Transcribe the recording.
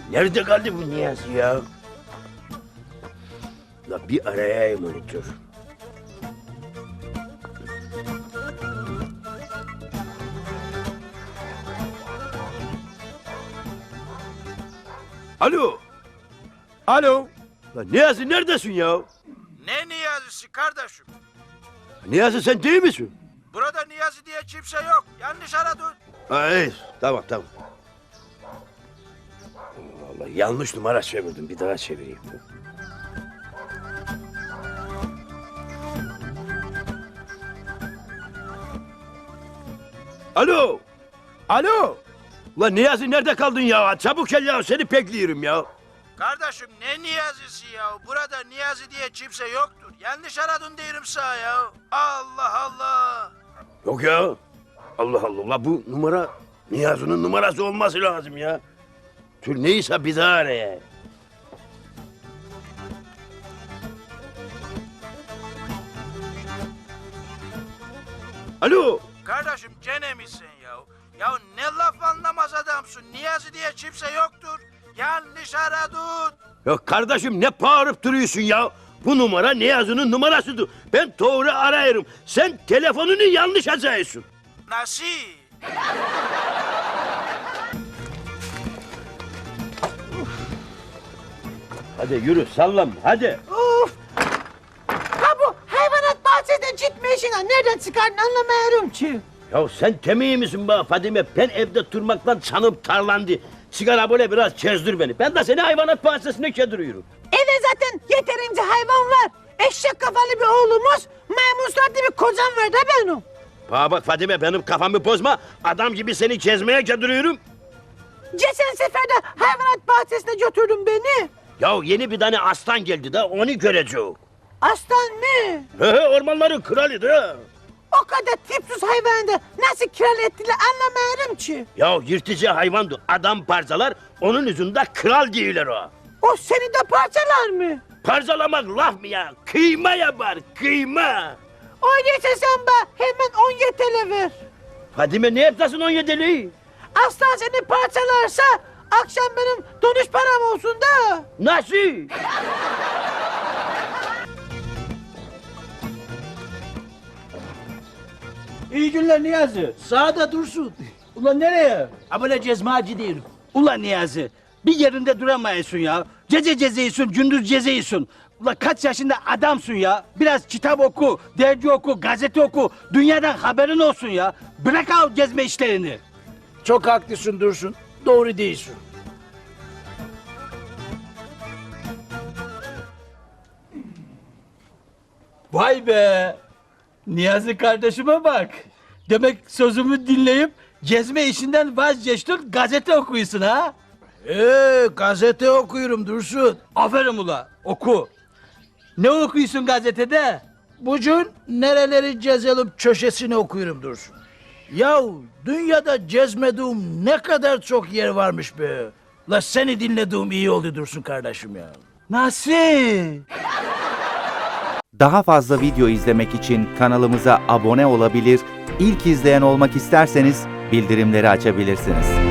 Nerede kaldı bu Niyazi ya? La bir arayayım onu dur. Alo. Alo. La Niyazi neredesin ya? Ne Niyazi'si kardeşim? Niyazi sen değil misin? Burada Niyazi diye kimse yok. Yanlış aradın. Ha, iyi. Tamam. Vallahi yanlış numara çevirdim. Bir daha çevireyim. Alo. Alo. Ulan Niyazi nerede kaldın ya? Çabuk gel ya. Seni bekliyorum ya. Kardeşim ne Niyazi'si ya? Burada Niyazi diye kimse yoktur. Yanlış aradın diyorum sana ya. Allah Allah. Yok ya. Allah Allah. Ulan bu numara Niyazi'nin numarası olması lazım ya. Tür neyse bir daha araya. Alo. Kardeşim gene misin ya? Ya ne laf anlamaz adamsın. Niyazi diye kimse yoktur. Yanlış aradın. Ya kardeşim ne bağırıp duruyorsun ya? Bu numara Niyazi'nin numarasıdır. Ben doğru arayırım. Sen telefonunu yanlış açıyorsun. Nasıl? Hadi yürü sallan hadi. Of! Ha bu hayvanat bahçesinden gitme işine nereden çıkardın anlamıyorum ki. Ya sen temiği misin be Fadime? Ben evde durmaktan canım tarlandı. Sigara böyle biraz çözdür beni. Ben de seni hayvanat bahçesine kediriyorum. Eve zaten yeterince hayvan var. Eşek kafalı bir oğlumuz, maymun bir kocam var da benim. Bana bak Fadime benim kafamı bozma. Adam gibi seni gezmeye kediriyorum. Geçen sefer de hayvanat bahçesine götürdün beni. Ya yeni bir tane aslan geldi de onu göreceğim. Aslan mı? Ormanların kralı da. O kadar tipsiz hayvanı da nasıl kral ettiler anlamıyorum ki. Ya yırtıcı hayvandı. Adam parçalar onun yüzünde kral değiller o. O seni de parçalar mı? Parçalamak laf mı ya? Kıyma yapar kıyma. Öyleyse sen bana hemen 17 TL ver. Fadime ne yaptasın 17'li? Aslan seni parçalarsa akşam benim dönüş param olsun da. Nasıl? İyi günler Niyazi. Sağda dursun. Ulan nereye? Abone cezmacı değilim. Ulan Niyazi, bir yerinde duramayısın ya. Gece gezeyisun, gündüz gezeyisun. Ulan kaç yaşında adamsın ya. Biraz kitap oku, dergi oku, gazete oku. Dünyadan haberin olsun ya. Bırak al gezme işlerini. Çok haklısın Dursun. Doğru değilsin. Vay be! Niyazi kardeşime bak. Demek sözümü dinleyip gezme işinden vazgeçtin, gazete okuyorsun ha? Gazete okuyorum Dursun. Aferin ula, oku. Ne okuyorsun gazetede? Bugün nereleri gezelim köşesini okuyorum Dursun. Yahu dünyada gezmediğim ne kadar çok yer varmış be. La seni dinlediğim iyi oldu Dursun kardeşim ya. Nasıl? Daha fazla video izlemek için kanalımıza abone olabilir, ilk izleyen olmak isterseniz bildirimleri açabilirsiniz.